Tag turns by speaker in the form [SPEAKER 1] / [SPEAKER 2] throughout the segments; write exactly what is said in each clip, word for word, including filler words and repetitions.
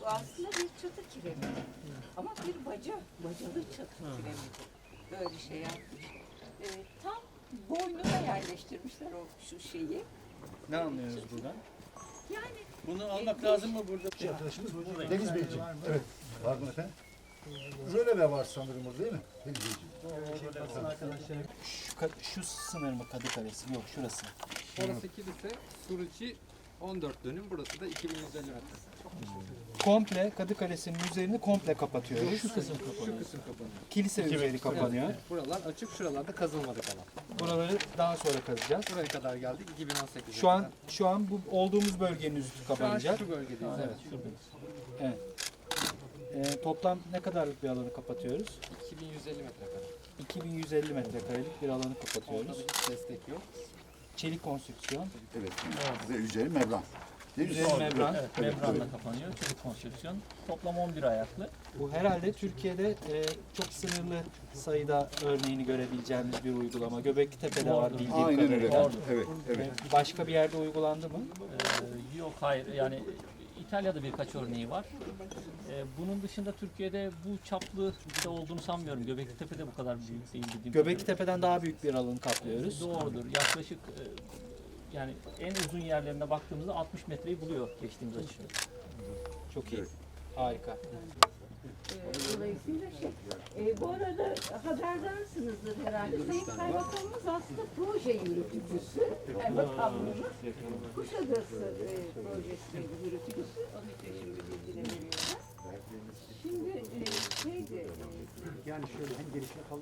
[SPEAKER 1] Bu aslında bir çatı kiremidi. Ama bir baca, bacalı çatı kiremidi. Böyle şey yapmış. Ee, tam boynuna yerleştirmişler o şu şeyi.
[SPEAKER 2] Ne anlıyoruz buradan?
[SPEAKER 1] Yani
[SPEAKER 2] Bunu almak lazım mı burada?
[SPEAKER 3] Şey arkadaşımız Deniz Beyciğim. Evet. Pardon efendim. Röleve var sanırım orada değil mi? Deniz Beyciğim.
[SPEAKER 2] Şu, ka- şu sınır mı Kadı Kalesi? Yok şurası.
[SPEAKER 4] Orası kilise, Suruçi on dört dönüm, burası da iki bin yüz elli metre.
[SPEAKER 2] Komple Kadı Kalesi'nin üzerini komple kapatıyoruz.
[SPEAKER 4] Şu kısım kapanıyor. Şu kısım kapanıyor.
[SPEAKER 2] Kilise üzeri kapanıyor.
[SPEAKER 4] Evet, buralar açık, şuralarda kazılmadı kalan.
[SPEAKER 2] Buraları daha sonra kazacağız.
[SPEAKER 4] Buraya kadar geldik iki bin on sekiz'e
[SPEAKER 2] Şu an
[SPEAKER 4] kadar.
[SPEAKER 2] şu an bu olduğumuz bölgenin üstü
[SPEAKER 4] Şu an
[SPEAKER 2] kapanacak.
[SPEAKER 4] şu bölgedeyiz, evet.
[SPEAKER 2] Evet. Ee, toplam ne kadarlık bir alanı kapatıyoruz?
[SPEAKER 4] iki bin yüz elli metre kadar.
[SPEAKER 2] iki bin yüz elli metrekarelik bir alanı kapatıyoruz.
[SPEAKER 4] Orada hiç destek yok.
[SPEAKER 2] Çelik konstrüksiyon.
[SPEAKER 3] Evet. Ve üzeri membran. Değil mi?
[SPEAKER 2] Üzeri membran.
[SPEAKER 5] Evet, membranla kapanıyor. Çelik konstrüksiyon. Toplam on bir ayaklı.
[SPEAKER 2] Bu herhalde Türkiye'de e, çok sınırlı sayıda örneğini görebileceğimiz bir uygulama. Göbeklitepe'de var bildiğim
[SPEAKER 3] Aynen öyle.
[SPEAKER 2] kadarıyla.
[SPEAKER 3] Evet, evet.
[SPEAKER 2] E, Başka bir yerde uygulandı mı?
[SPEAKER 5] Ee, yok hayır yani İtalya'da birkaç örneği var. Ee, bunun dışında Türkiye'de bu çaplı da olduğunu sanmıyorum. Göbeklitepe'de bu kadar büyük değil dediğim
[SPEAKER 2] Göbeklitepe'den daha büyük bir alanı kaplıyoruz.
[SPEAKER 5] Doğrudur. Yaklaşık e, yani en uzun yerlerine baktığımızda altmış metreyi buluyor geçtiğimiz açı.
[SPEAKER 2] Çok iyi. Harika.
[SPEAKER 1] e, dolayısıyla şey. E, bu arada haberdarsınızdır herhalde. Sayın Kaymakamımız aslında proje yürütücüsü. Kaymakamlığımız Kuşadası e, projesinin yürütücüsü. Onun için şimdi bilgileri veriyorlar. Şimdi e, şeydi.
[SPEAKER 3] Yani şöyle hem gelişme kalın.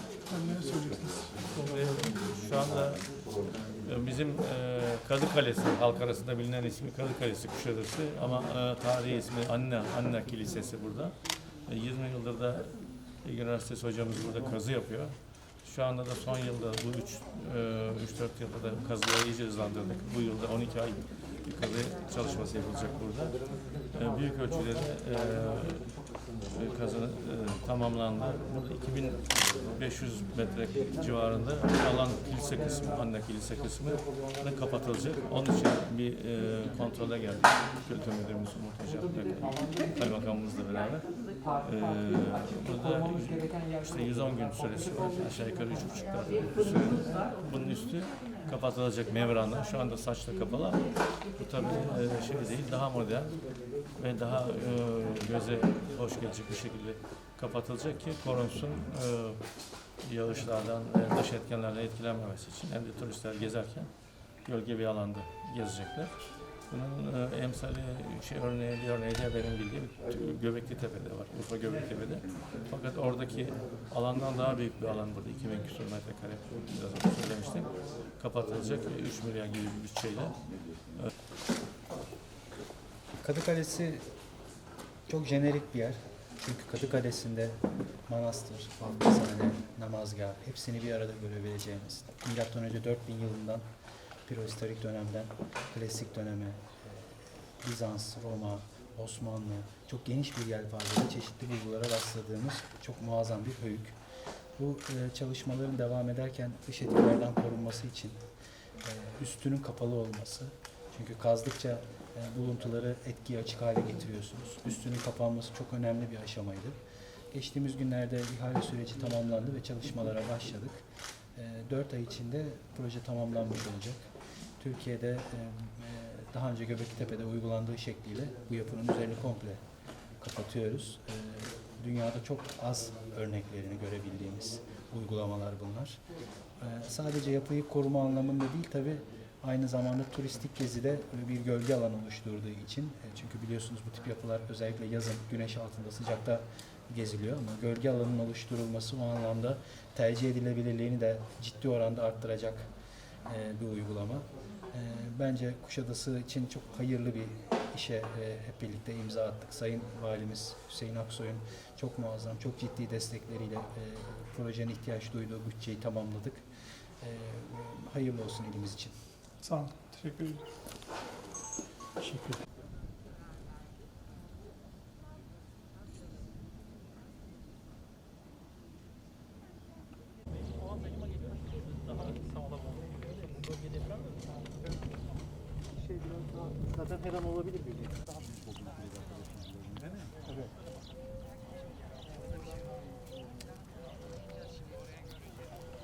[SPEAKER 6] Şu anda e, bizim e, Kadı Kalesi, halk arasında bilinen ismi Kadı Kalesi Kuşadası ama e, tarihi ismi Anna, Anna Kilisesi burada. E, yirmi yıldır da Bilgi Üniversitesi hocamız burada kazı yapıyor. Şu anda da son yılda bu üç dört yılda da kazıları iyice hızlandırdık. Bu yılda on iki ay bir kazı çalışması yapılacak burada. E, büyük ölçüde de e, kazı e, tamamlandı. Burada iki bin beş yüz metre civarında alan kilise kısmı, Anna kilise kısmı da kapatılacak. Onun için bir e, kontrole geldik. Kültür müdürümüz Umut Hocam ve kaymakamımızla beraber. E, burada işte yüz on gün süresi var. Aşağı yukarı üç buçuk bir süre. Bunun üstü kapatılacak membranla. Şu anda saçla kapalı ama bu tabii e, şey değil, daha modern ve daha e, göze hoş gelecek bir şekilde kapatılacak ki korunsun e, yağışlardan ve dış etkenlerden etkilenmemesi için hem de turistler gezerken gölge bir alanda gezecekler. Bunun e, emsali şey örneği bir örneği de benim bildiğim Göbeklitepe'de var, Urfa Göbeklitepe'de. Fakat oradaki alandan daha büyük bir alan burada, iki bin küsur metrekare biraz önce söylemiştim. Kapatılacak üç milyon gibi bir bütçeyle.
[SPEAKER 2] Kadı Kalesi çok jenerik bir yer. Çünkü Kadı Kalesi'nde manastır, hafızhane, namazgah hepsini bir arada görebileceğimiz. Milattan önce dört bin yılından prehistorik dönemden klasik döneme, Bizans, Roma, Osmanlı çok geniş bir yelpazede çeşitli bulgulara rastladığımız çok muazzam bir höyük. Bu e, çalışmaların devam ederken dış etkilerden korunması için e, üstünün kapalı olması. Çünkü kazdıkça e, buluntuları etkiye açık hale getiriyorsunuz. Üstünün kapanması çok önemli bir aşamaydı. Geçtiğimiz günlerde ihale süreci tamamlandı ve çalışmalara başladık. dört ay içinde proje tamamlanmış olacak. Türkiye'de e, daha önce Göbeklitepe'de uygulandığı şekliyle bu yapının üzerini komple kapatıyoruz. E, dünyada çok az örneklerini görebildiğimiz uygulamalar bunlar. E, sadece yapıyı koruma anlamında değil tabii, aynı zamanda turistik gezide bir gölge alanı oluşturduğu için, e, çünkü biliyorsunuz bu tip yapılar özellikle yazın güneş altında sıcakta geziliyor ama gölge alanının oluşturulması o anlamda tercih edilebilirliğini de ciddi oranda arttıracak e, bir uygulama. E, bence Kuşadası için çok hayırlı bir işe e, hep birlikte imza attık. Sayın Valimiz Hüseyin Aksoy'un çok muazzam, çok ciddi destekleriyle e, projenin ihtiyaç duyduğu bütçeyi tamamladık. E, hayırlı olsun ilimiz için.
[SPEAKER 7] Sağ olun. Teşekkür ederim. Teşekkür ederim.
[SPEAKER 2] Zaten her an olabilir bir